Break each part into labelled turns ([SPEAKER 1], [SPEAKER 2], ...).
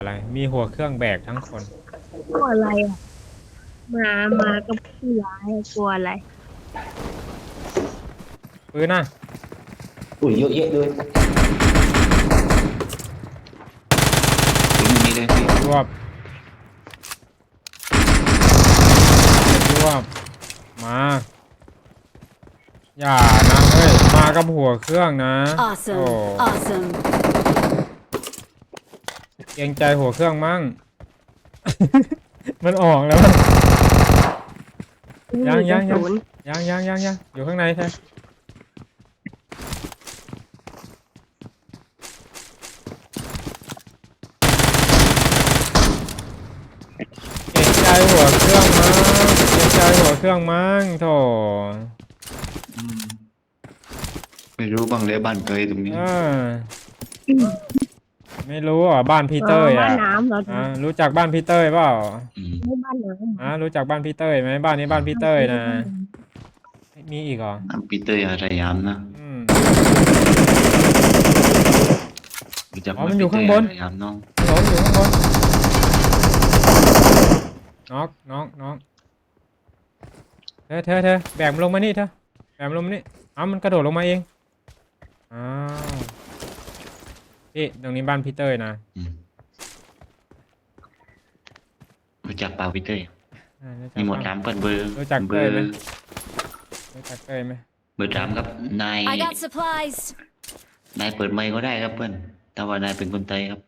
[SPEAKER 1] อะไรมีหัวเครื่องแบกทั้งคน
[SPEAKER 2] กลัวอะไรอ่ะมากับผู้ร้ายกลัวอะไร
[SPEAKER 1] ปืนน่ะ
[SPEAKER 3] อุ้ยเยอะแยะเลยตรงนี้เลยพี่
[SPEAKER 1] รวบรวบมาอย่านะเฮ้ยมากับหัวเครื่องนะโอ้
[SPEAKER 4] Awesome. Awesome.
[SPEAKER 1] เกรงใจหัวเครื่องมั่ง มันออกแล้วยังอยู่ข้างในใช่เกรงใจหัวเครื่องมั่งเกรงใจหัวเครื่องมั่งโถ
[SPEAKER 3] อืมไม่รู้บ้างเลยบ้านเคยตรงนี้
[SPEAKER 1] ไม่รู้อ่ะบ้านพี่เต้ยอ่ะ
[SPEAKER 2] บ้านน้ำเหรอ
[SPEAKER 1] รู้จักบ้านพี่เต้ยเปล่า
[SPEAKER 2] ไม่บ้านน้ำ
[SPEAKER 1] รู้จักบ้านพี่เต้ยไหมบ้านนี้บ้านพี่เต้ยนะมีอีกเหรอ
[SPEAKER 3] น้ำปีเตอร์อะไรยามนะรู้จัก
[SPEAKER 1] มันอยู่ข้างบน
[SPEAKER 3] ยามน้อง
[SPEAKER 1] อยู่ข้างบนน้องเธอแบกมันลงมานี่เธอแบกมันลงมานี่มันกระโดดลงมาเองพี่ตรงนี้บ้านพี่เต้ยนะ
[SPEAKER 3] รู้จักเปล่าปีเตอร์มีหมด3เบอร์
[SPEAKER 1] รู้จักเต้ยไหมรู้จักเต้ยไหม
[SPEAKER 3] เบอร์3ครับนาย
[SPEAKER 4] I got supplies.
[SPEAKER 3] นายเปิดไมค์ก็ได้ครับเพื่อนแต่ว่านายเป็นคนไทยครับ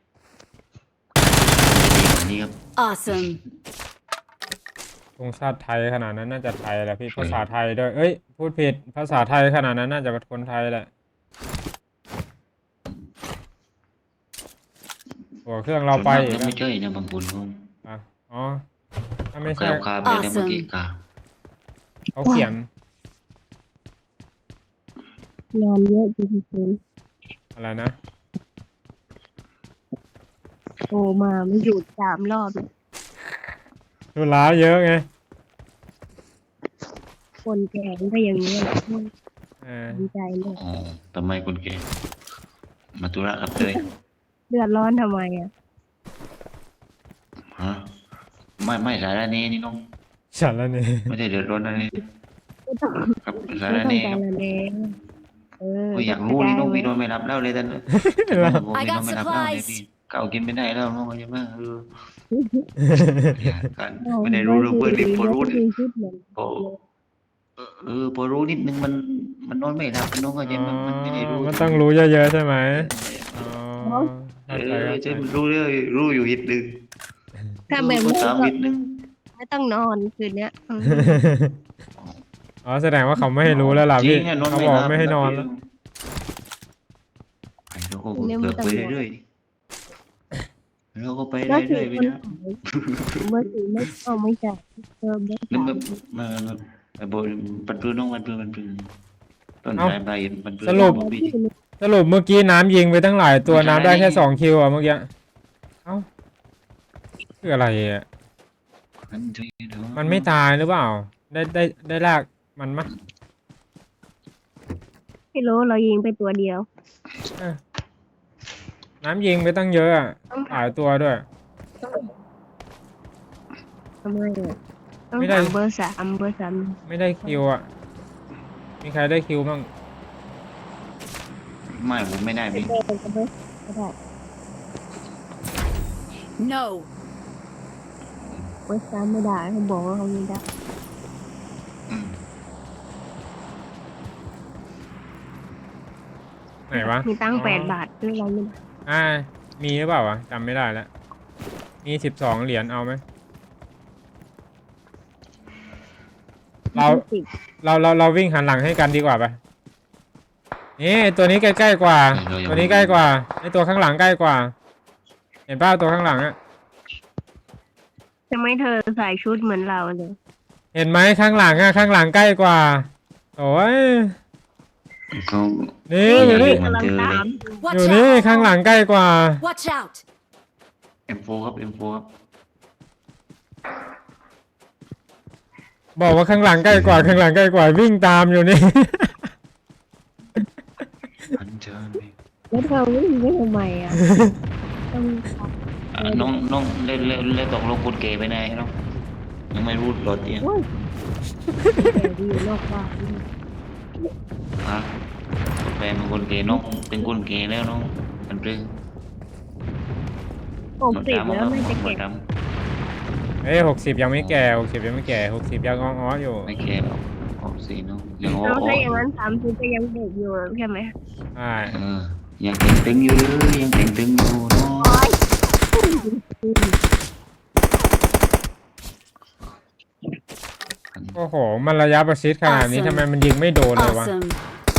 [SPEAKER 3] นี่ครับ
[SPEAKER 4] Awesome.
[SPEAKER 1] วงชาติไทยขนาดนั้นน่าจะไทยแหละพี่ภาษาไทยด้วยพูดผิดภาษาไทยขนาดนั้นน่าจะเป็นคนไทยแหละหัวเครื่องเราไปอีก
[SPEAKER 3] ไม่ใช่นะบางคน
[SPEAKER 1] อ๋อถ้าไม่ใช่
[SPEAKER 3] คาไปแล้วเมื่อกี้กา
[SPEAKER 1] เขาเขียน
[SPEAKER 2] งานเยอะจริง
[SPEAKER 1] ๆอะไรนะ
[SPEAKER 2] โทรมาไม่หยุด3 รอบ
[SPEAKER 1] ธุระเยอะไง
[SPEAKER 2] คนแก่ก็อย่างนี้แหละดีใจเลย
[SPEAKER 3] ทำไมคนแก่มาธุระครับเลย
[SPEAKER 2] เดือดร้อนทำไมอ่ะ
[SPEAKER 3] ฮะไม่สาระนี้นี่น้อง
[SPEAKER 1] สาระนี้
[SPEAKER 3] ไม่ได้เดือดร้อนอะไรครับสาระ
[SPEAKER 2] นี้
[SPEAKER 3] ครับอยากรู้นี่น้องพี่นอนไม่รับแล้วเลยท่านพี่นอนไม่รับแล้วเลยพี่เก่ากินไม่ได้แล้วน้องใช่ไหมกันไม่ได้รู้เพื่อนดิพอรู้พอรู้นิดนึงมันนอนไม่หลับน้องก็จะมันไม่ได้รู้
[SPEAKER 1] มันต้องรู้เยอะๆใช่ไหม
[SPEAKER 3] จะรู้เรื่องรู้อยู่นิดนึง
[SPEAKER 2] ถ้าแบบนี้ก็
[SPEAKER 3] นิดนึง
[SPEAKER 2] ไม่ต้องนอนคืนนี้
[SPEAKER 1] แสดงว่าเขาไม่ให้รู้แล้วล่ะพี่เขาบอกไม่ให้นอนแล้ว
[SPEAKER 3] เราก็เกิดไปเรื่อยๆเราก็ไปเรื่อยๆไปนะ
[SPEAKER 2] เมื่อกี้ไม่ใช่
[SPEAKER 3] แล้วมาบนปันปืนน้องปันปืนต้นใบปันปืน
[SPEAKER 1] สรุปเมื่อกี้น้ำยิงไปตั้งหลายตัวน้ำได้แค่2 คิวเมื่อกี้คืออะไรอ่ะมันไม่ตายหรือเปล่าได้ลากมันมั้ย
[SPEAKER 2] ไม่รู้เรายิงไปตัวเดียว
[SPEAKER 1] น้ำยิงไปตั้งเยอะอ่ะหลายตัวด้วย
[SPEAKER 2] ทำไมไม่ได้เบอร์ 3
[SPEAKER 1] ไม่ได้คิวอ่ะมีใครได้คิวบ้าง
[SPEAKER 3] ไม่ผมไม่ได้พี่
[SPEAKER 4] No.
[SPEAKER 2] เบอร์ 3ไม่ได้เขาบอกว่าเขาไม่ได้
[SPEAKER 1] ไหนวะ
[SPEAKER 2] มีตั้ง8 บาทหรืออะไรไม่ได้
[SPEAKER 1] มีหรือเปล่าวะจำไม่ได้แล้วมี12 เหรียญเอาไหมเราวิ่งหันหลังให้กันดีกว่าปะนี่ตัวนี้ใกล้ๆกว่าตัวนี้ใกล้กว่าไอตัวข้างหลังใกล้กว่าเห็นป่ะตัวข้างหลังอะ
[SPEAKER 2] จะไม่เธอใส่ชุดเหมือนเราเลย
[SPEAKER 1] เห็นไหมข้างหลังข้างหลังใกล้กว่าโอ้ยนี่อยู่นี่อยู่นี่ข้างหลังใกล้กว่า
[SPEAKER 4] Watch out.
[SPEAKER 3] M4 ครับ M4 ครับ
[SPEAKER 1] บอกว่าข้างหลังใกล้กว่าวิ่งตามอยู่นี่
[SPEAKER 3] อันเชิญ
[SPEAKER 2] แล้วเธอวิ่งไปทำไมอ่ะ
[SPEAKER 3] น้องเล่นตกลงคุณเก๋ไปไหนน้องยังไม่รู้รถเนี่ย
[SPEAKER 2] โอ้ยแต่ดีอยู่นอกบ้านนี่
[SPEAKER 3] ฮะแฟนเป็นคนเก๋น้องเป็นคนเก๋แล้วน้องมันเรื่อง
[SPEAKER 2] โอ้ปิดแล้วไม่จะเก็บ
[SPEAKER 1] เอ้ย60ยังไม่แก่60ยังไม่แก่60ยังอ้อๆอยู่
[SPEAKER 3] ไม่แก่หรอกออกสีน้องยังอ้อ
[SPEAKER 2] เราถ้าอย่างนั้น30ก็ยังเด็กอยู่ใช่ไหม
[SPEAKER 1] ใช่
[SPEAKER 3] ยังเต่งตึงอยู่เลยยังเต่งตึงอยู่น้อง
[SPEAKER 1] โอ้โหมันระยะประชิดขนาดนี้ทำไมมันยิงไม่โดนเลยวะ
[SPEAKER 4] Awesome.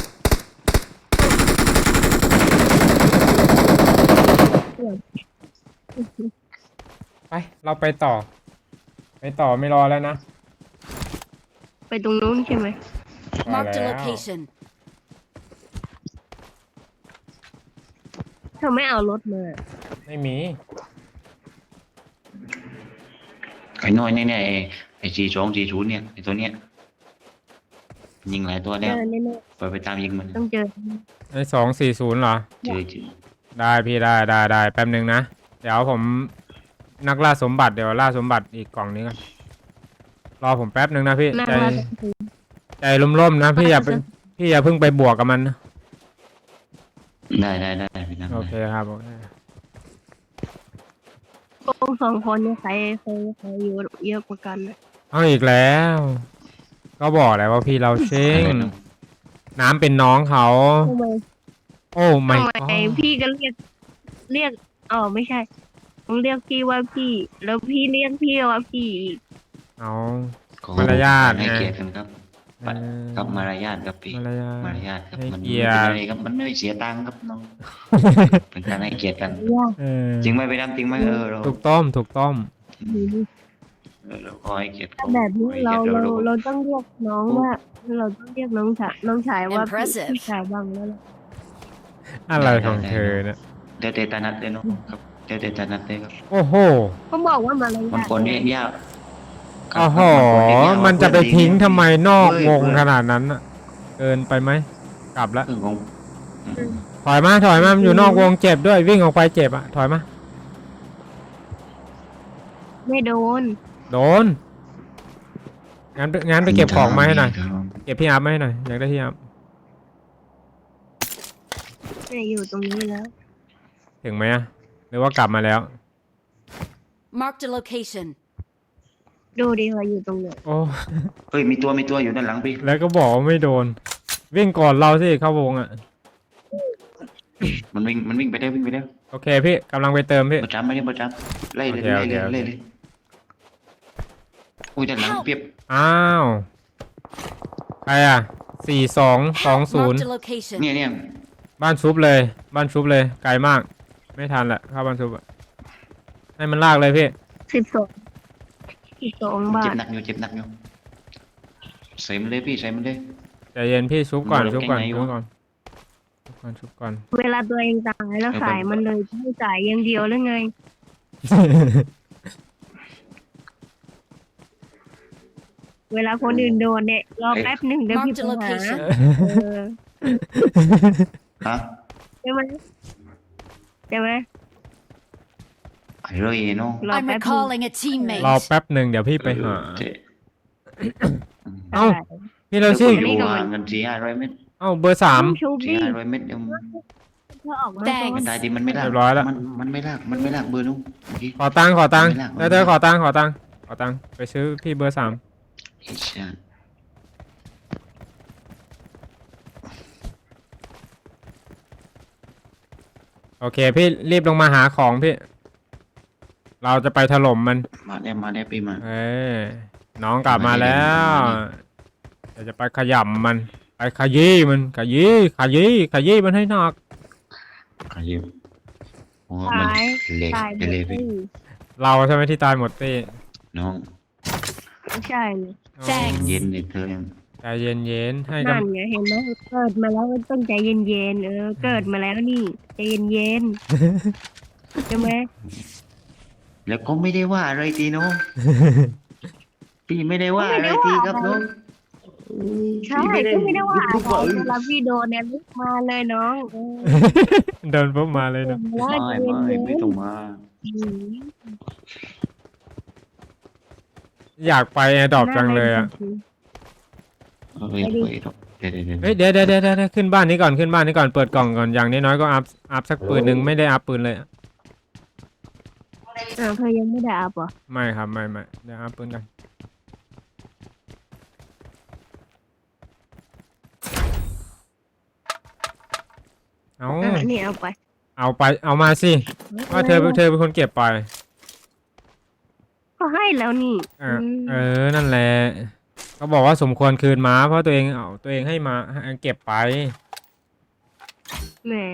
[SPEAKER 1] ไปเราไปต่อไม่รอแล้วนะ
[SPEAKER 2] ไปตรงนู้นใช่ไหม
[SPEAKER 1] มา
[SPEAKER 4] Marked a
[SPEAKER 1] แล้ว
[SPEAKER 4] location.
[SPEAKER 2] เธอไม่เอารถมา
[SPEAKER 1] ไม่มี
[SPEAKER 3] ไอ้น้อยเนี่ยไอ้4240เนี่ยไอ้ตัวเนี้ยยิงหลายตัว
[SPEAKER 2] เจ
[SPEAKER 3] แล้ว
[SPEAKER 2] อแน่
[SPEAKER 3] ไปตามยิงมัน
[SPEAKER 2] ๆต้องเจอ
[SPEAKER 1] ไอ้240เหรอ
[SPEAKER 3] เจอ
[SPEAKER 1] ได้พี่ได้แป๊บนึงนะ เดี๋ยวผมนักล่าสมบัติเดี๋ยวล่าสมบัติอีกกล่องนี้กันรอผมแป๊บนึงนะพี่
[SPEAKER 2] นั่ง
[SPEAKER 1] ใจ
[SPEAKER 2] แล้ว
[SPEAKER 1] ใจร่มๆนะพี่อย่าเพิ่งไปบวกกับมันนะ
[SPEAKER 3] ได้พี่น้อง
[SPEAKER 1] โอเคครับโอเค
[SPEAKER 2] โกง2 คนเนี่ยใครอยู่เยอะกว่ากันนะ
[SPEAKER 1] เอาอีกแล้ว ก็บอกแล้วว่าพี่เราเชิงน้ำเป็นน้องเขา
[SPEAKER 2] ทำไม
[SPEAKER 1] โอ้ไม่
[SPEAKER 2] ทำไมพี่ก็เรียกอ๋อไม่ใช่ต้องเรียกพี่ว่าพี่ แล้วพี่เรียกพี่ว่าพี่อีก
[SPEAKER 1] เอา
[SPEAKER 3] ขอ
[SPEAKER 1] มารยาท
[SPEAKER 3] ให้
[SPEAKER 1] นะ
[SPEAKER 3] เกียรติกันครับ
[SPEAKER 1] เออ
[SPEAKER 3] ครับมารยาทครับพี่
[SPEAKER 1] มารยาท
[SPEAKER 3] มารยาทครับ
[SPEAKER 1] ให้
[SPEAKER 3] มัน
[SPEAKER 1] เกียรติ
[SPEAKER 3] เป็นอะไรครับมันไม่เสียตังค์ครับน้องเป็นการให้เกียรติกัน
[SPEAKER 2] ยาก
[SPEAKER 1] เออ
[SPEAKER 3] จริงไหมไปดำจริงไหมเรา
[SPEAKER 1] ถูกต้อง
[SPEAKER 3] เราขอให้เกียรติ
[SPEAKER 2] ถ้าแบบนี้เราต้องเรียกน้องว่า เราต้องเรียกน้องชายว่าพี่
[SPEAKER 4] Impressive
[SPEAKER 2] พี่ชายบ้างแล้วล่ะ
[SPEAKER 1] อะไรของเธอเนี่ย
[SPEAKER 3] เดี๋ยวเตตานัดเลยเนาะครับเดี๋ยวเตตานัดเลยครับ
[SPEAKER 1] โอ้โห
[SPEAKER 2] เขาบอกว่ามาอะไร
[SPEAKER 3] มันคนเรียกยากครับ
[SPEAKER 1] โอ้โห มันจะไปทิ้งทำไมนอกวงขนาดนั้นน่ะ เกินไปไหม กลับแล้ว
[SPEAKER 3] เรื่องของ
[SPEAKER 1] ถอยมามันอยู่นอกวงเจ็บด้วย วิ่งออกไปเจ็บอ่ะ ถอยมา
[SPEAKER 2] ไม่โดน
[SPEAKER 1] โดน งั้นไปเก็บของมาให้หน่อย เก็บพี่อัพมาให้หน่อย อยากได้พี่อัพ
[SPEAKER 2] ไม่อยู่ตรงนี้แล้ว
[SPEAKER 1] ถึงไหมอะหรือว่ากลับมาแล้ว
[SPEAKER 4] Marked a location.
[SPEAKER 2] ดูดิว่าอยู่ตรงไหน
[SPEAKER 1] โอ้
[SPEAKER 3] เฮ้ยมีตัวอยู่ด้านหลังพี่
[SPEAKER 1] แล้วก็บอกว่าไม่โดน วิ่งก่อนเราสิเข้าวงอ่ะ
[SPEAKER 3] มันวิ่งไปได้วิ่งไปได้
[SPEAKER 1] โอเคพี่กำลังไปเติมพี่
[SPEAKER 3] ประจำไม่ได้ประจำไล่เลย
[SPEAKER 1] โอเค
[SPEAKER 3] ไล่เลยอุ้ยด้านหลังเปียบ
[SPEAKER 1] อ้าว ใครอ่ะ4220
[SPEAKER 4] Marked a location.
[SPEAKER 3] เนี่ย
[SPEAKER 1] บ้านชุบเลย ไกลมาก ไม่ทันแหละเข้าบ้านชุบอะให้มันลากเลยพี่
[SPEAKER 2] 12 บา
[SPEAKER 3] เจ็บ
[SPEAKER 2] ท
[SPEAKER 3] หนักอยู่ใส่มันเลยพี่ใส่มันเลย
[SPEAKER 1] ใจเย็นพี่ชุบก่อน
[SPEAKER 3] มัน
[SPEAKER 1] ชุบก่อน
[SPEAKER 3] เก่งไง
[SPEAKER 1] ชุบ
[SPEAKER 3] วะ
[SPEAKER 1] ก่อน
[SPEAKER 2] เวลาตัวเองตายแล้วขายมันเลยไม่จ่ายอย่างเดียวหรือไง เวลาคนอื่นโดนเนี่ยรอแป๊บหนึ่งเดี๋ยวพี่
[SPEAKER 4] Marked
[SPEAKER 2] ไป
[SPEAKER 4] a
[SPEAKER 2] หา
[SPEAKER 4] location.
[SPEAKER 2] เออ
[SPEAKER 3] ฮะ
[SPEAKER 2] ใช่ไหม
[SPEAKER 3] ไอ้เรื่องเนาะ
[SPEAKER 2] รอ
[SPEAKER 4] I'm
[SPEAKER 2] แป๊บหนึ่ง
[SPEAKER 4] recalling a
[SPEAKER 1] รอ
[SPEAKER 4] teammate.
[SPEAKER 1] แป๊บหนึ่งเดี๋ยวพี่ไปหา
[SPEAKER 3] เจ๊
[SPEAKER 1] เอ้า พี่เราสิ
[SPEAKER 3] อยู่ว่าเงิน400 เม็ด
[SPEAKER 1] เอ้าเบอร์3
[SPEAKER 2] ต้องชูบี้
[SPEAKER 3] 400 เม็ดเดี๋ยว
[SPEAKER 2] เธอออกมา
[SPEAKER 4] Thanks
[SPEAKER 3] มันได้ดีมันไม่ลาก
[SPEAKER 1] เรียบร้อยแล้ว
[SPEAKER 3] มันไม่ลากเบอร์นู้นเมื่อกี้
[SPEAKER 1] ขอตังค์
[SPEAKER 3] ไม่ลาก
[SPEAKER 1] เธอขอตังค์ไปซื้อพี่เบอร์3
[SPEAKER 3] ไอ้ชาติ
[SPEAKER 1] โอเคพี่รีบลงมาหาของพี่ เราจะไปถล่มมัน
[SPEAKER 3] มาได้ปีมา
[SPEAKER 1] เอ้ยน้องกลับมาแล้วเดี๋ยวจะไปขยำมัน ไปขยี้มันขยี้มันให้หนัก
[SPEAKER 3] ขยิบโอ้มันเละ
[SPEAKER 2] ตายหม
[SPEAKER 3] จะ
[SPEAKER 2] ด
[SPEAKER 3] เละไป
[SPEAKER 1] เราใช่ไหมที่ตายหมดตี้
[SPEAKER 3] น้อง
[SPEAKER 2] ไม่ใช่เลย
[SPEAKER 4] Thanks
[SPEAKER 3] เย็นเลยเธอยัง
[SPEAKER 1] ใจเย็นๆให้
[SPEAKER 2] นั่นไงเห็นไหมเกิดมาแล้วก็ต้องใจเย็นๆเกิดมาแล้วนี่ใจเย็นๆใช่ไหม
[SPEAKER 3] แล้วก็ไม่ได้ว่าอะไรทีน้องพี่ไม่ได้ว่าอะไรทีครับน้อง
[SPEAKER 2] ใช่ก็ไม่ได้ว่าอะไรเวลาพี่โดนเนี่ยลุกมาเลยน้อง
[SPEAKER 1] เดินปุ๊บมาเลยนะ
[SPEAKER 2] แล้วใจเย็น
[SPEAKER 3] ไม่ต้องมา
[SPEAKER 2] อืม
[SPEAKER 1] อยากไปแอร์ดรอปจังเลยอ่ะ
[SPEAKER 3] เดี๋ยว
[SPEAKER 1] เฮ้ยเดี๋ยวขึ้นบ้านนี้ก่อนขึ้นบ้านนี้ก่อนเปิดกล่องก่อนอย่างน้อยๆก็อัพสักปืนหนึ่งไม่ได้อัพปืนเลยอะ
[SPEAKER 2] เธอยังไม่ได้อัพเหรอ
[SPEAKER 1] ไม่ครับไม่เดี๋ยวอัพปืนกันเอา
[SPEAKER 2] นี่เอาไป
[SPEAKER 1] เอามาสิว่าเธอเป็นคนเก็บไป
[SPEAKER 2] ก็ให้แล้วนี่
[SPEAKER 1] นั่นแหละเขาบอกว่าสมควรคืนม้าเพราะตัวเองเอาตัวเองให้มาเก็บไป
[SPEAKER 2] แหม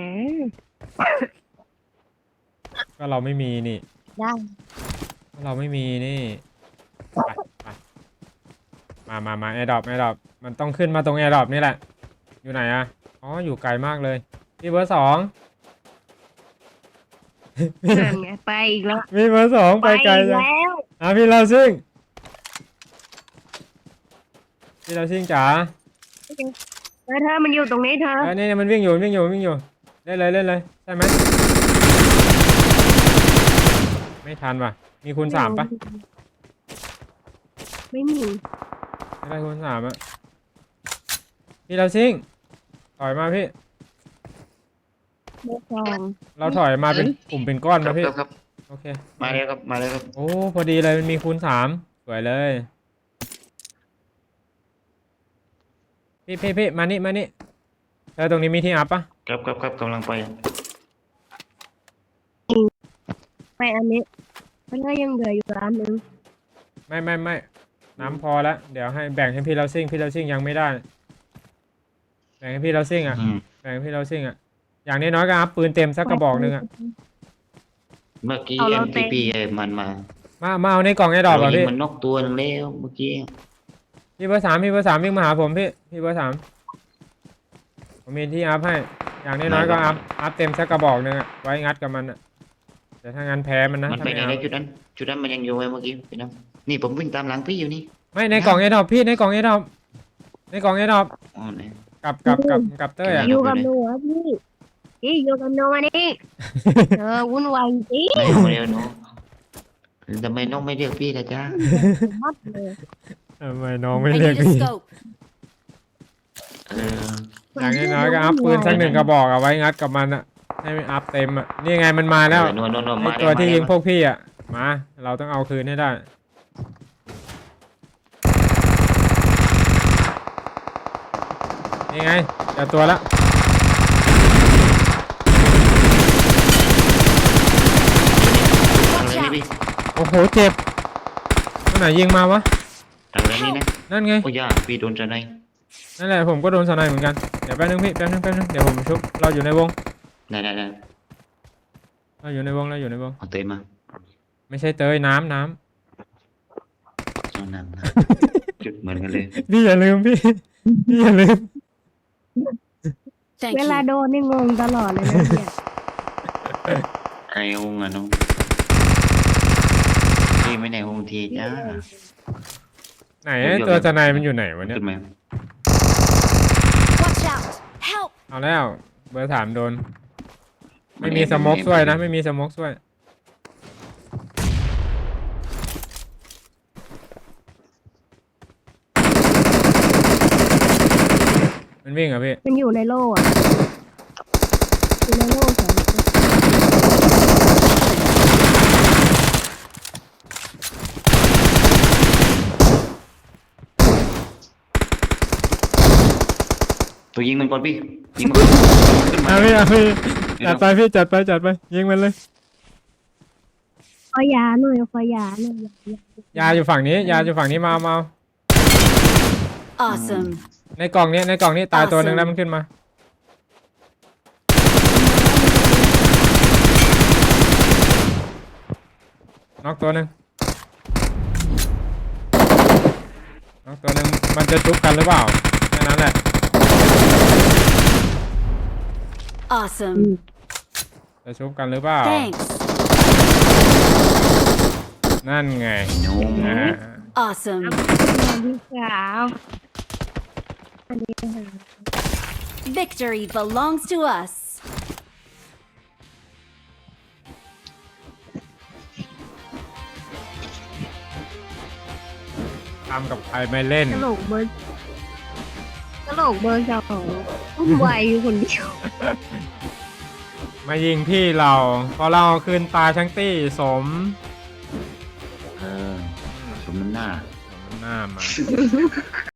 [SPEAKER 1] ก็เราไม่มีนี่
[SPEAKER 2] ได้
[SPEAKER 1] เราไม่มีนี่ไปมาแอร์ดรอปมันต้องขึ้นมาตรงแอร์ดรอปนี่แหละอยู่ไหนอะอ๋ออยู่ไกลมากเลยพี่เบอร์ 2
[SPEAKER 2] นั่นไงไปอีกแล้ว
[SPEAKER 1] พี่เบอร์ 2ไปไกล
[SPEAKER 2] อีก
[SPEAKER 1] จัง
[SPEAKER 2] แล้ว
[SPEAKER 1] พี่เราซิ่งจ๋า
[SPEAKER 2] เธอมันอยู่ตรงนี้เธอ
[SPEAKER 1] นี่มันวิ่งอยู่เล่นเลยใช่ไหมไม่ทันว่ะมีคูณ 3ปะ
[SPEAKER 2] ไม่มี
[SPEAKER 1] ไม่ได้คูณ 3อะพี่เราซิ่งถอยมาพี่
[SPEAKER 2] เบอร์สอง
[SPEAKER 1] เราถอยมาเป็นกลุ่มเป็นก้อนมาพี่
[SPEAKER 3] ครับ
[SPEAKER 1] โอเค
[SPEAKER 3] มาแล้วครับ
[SPEAKER 1] โอ้พอดีเลยมันมีคูณ 3สวยเลยพี่มานี่เธอตรงนี้มีที่อัพปะ
[SPEAKER 3] ครับกำลังไป
[SPEAKER 2] ไปอันนี้มันก็ยังเหลืออยู่ร้านนึง
[SPEAKER 1] ไม่น้ำพอแล้วเดี๋ยวให้แบ่งให้พี่เราซิ่งยังไม่ได้แบ่งให้พี่เราซิ่งอ่ะอย่างน้อยๆก็อัพปืนเต็มสักกระบอกหนึ่งอ่ะ
[SPEAKER 3] เมื่อกี้ MTP มันมา
[SPEAKER 1] มาเอาในกล่องไอ้ดอกเหรอพี่
[SPEAKER 3] มันนกตัวนึงแล้วเมื่อกี้
[SPEAKER 1] พี่เบอร์ 3วิ่งมาหาผมพี่เบอร์ 3ผมมีที่อัพให้อย่างน้อยๆก็อัพเต็มสักกระบอกหนึ่งอ่ะไว้งัดกับมันอ่ะแต่ถ้างั้นแพ้มันนะ
[SPEAKER 3] มัน
[SPEAKER 1] ถ้า
[SPEAKER 3] ไป
[SPEAKER 1] ไม่
[SPEAKER 3] ไหน
[SPEAKER 1] เอา
[SPEAKER 3] จุดนั้นมันยังอยู่ไว้เมื่อกี้ไปนะนี่ผมวิ่งตามหลังพี่อยู่นี่
[SPEAKER 1] ไม่ในกล่องไอ้ดอกพี่ในกล่องไอ้ดอก
[SPEAKER 3] อ๋อไหน
[SPEAKER 1] กับเต้ยอ่ะ
[SPEAKER 2] อยู่กับหนูอ่ะพี่อยู่กับหนูมานี่วุ่นวายจริง
[SPEAKER 3] ไหนมาเร็วน้องทำไมน้องไม่เรียกพี่ล่ะจ๊ะ
[SPEAKER 2] มัดเลย
[SPEAKER 1] ทำไมน้องไม่
[SPEAKER 4] I
[SPEAKER 1] เรียก
[SPEAKER 4] need a
[SPEAKER 1] พี่
[SPEAKER 4] scope.
[SPEAKER 1] อย่างน้อยๆก็อัพปืนสัก1 กระบอกเอาไว้งัดกับมันอ่ะให้มันอัพเต็มอ่ะนี่ไงมันมาแล้ว
[SPEAKER 3] นวล
[SPEAKER 1] ไอ
[SPEAKER 3] มา
[SPEAKER 1] ตัวที่ยิงพวกพี่อ่ะมาเราต้องเอาคืนให้ได้นี่ไงเจอตัวแล้ว
[SPEAKER 3] อะไรนี่พี่
[SPEAKER 1] โอ้โหเจ็บตัวไหนยิงมาวะ
[SPEAKER 3] ทางนี้นะ
[SPEAKER 1] นั่นไง
[SPEAKER 3] โอ้ยาพี่โดนจะไหน
[SPEAKER 1] นั่นแหละผมก็โดนสไนเหมือนกันเดี๋ยวแป๊บนึงพี่แป๊บนึงเดี๋ยวผมชุบเราอยู่ในวง
[SPEAKER 3] ไหน
[SPEAKER 1] เราอยู่ในวง
[SPEAKER 3] เอาเตยมา
[SPEAKER 1] ไม่ใช่เตยน้ำ
[SPEAKER 3] เอาน้ำจุดเหมือนกันเลย
[SPEAKER 1] พี่อย่าลืมพี่อย่าลืม
[SPEAKER 4] Thank
[SPEAKER 2] เวลา
[SPEAKER 4] you.
[SPEAKER 2] โดนนี่งงตลอดเลยนะเนี่ย
[SPEAKER 3] ไอ้องอ่ะน้องพี่ไม่ไหนองทีจ้า
[SPEAKER 1] ไหนตัวสไนมันอยู่ไหนวะเนี่ย
[SPEAKER 3] ขึ้นมา
[SPEAKER 4] Watch out. Help.
[SPEAKER 1] เอาแล้วเบอร์ 3โดนไม่มีสโมกช่วยนะไม่มีสโมกช่วยมันวิ่งเหรอพี่
[SPEAKER 2] มันอยู่ในโล่อะอยู่ในโล่สองตัว
[SPEAKER 3] ตัวยิงมันก่อนพี่ยิงมันก่อนขึ้นมา
[SPEAKER 1] เอาพี่จัดไปยิงมันเลย
[SPEAKER 2] ขอยาหน่อย
[SPEAKER 1] ยาอยู่ฝั่งนี้มาเอา
[SPEAKER 4] Awesome.
[SPEAKER 1] ในกล่องนี้ตายตัวหนึ่งแล้วมันขึ้นมาน็อกตัวหนึ่งมันจะชุบกันหรือเปล่าแค่นั้นแหละ
[SPEAKER 4] Awesome.
[SPEAKER 1] จะชุบกันหรือเปล่า
[SPEAKER 4] Thanks.
[SPEAKER 1] นั่นไง
[SPEAKER 3] น้อง
[SPEAKER 1] อ่า
[SPEAKER 4] Awesome.
[SPEAKER 2] พี่สาวอันนี้ค่ะ
[SPEAKER 4] Victory belongs to us.
[SPEAKER 1] ทำกับใครไม่เล่น
[SPEAKER 2] ตลกเบอร์สองอุ้มไวอยู่คนเดียว
[SPEAKER 1] มายิงพี่เราพอเราคืนตายทั้งตี้สม
[SPEAKER 3] สมน้ำหน้า
[SPEAKER 1] หน้ามา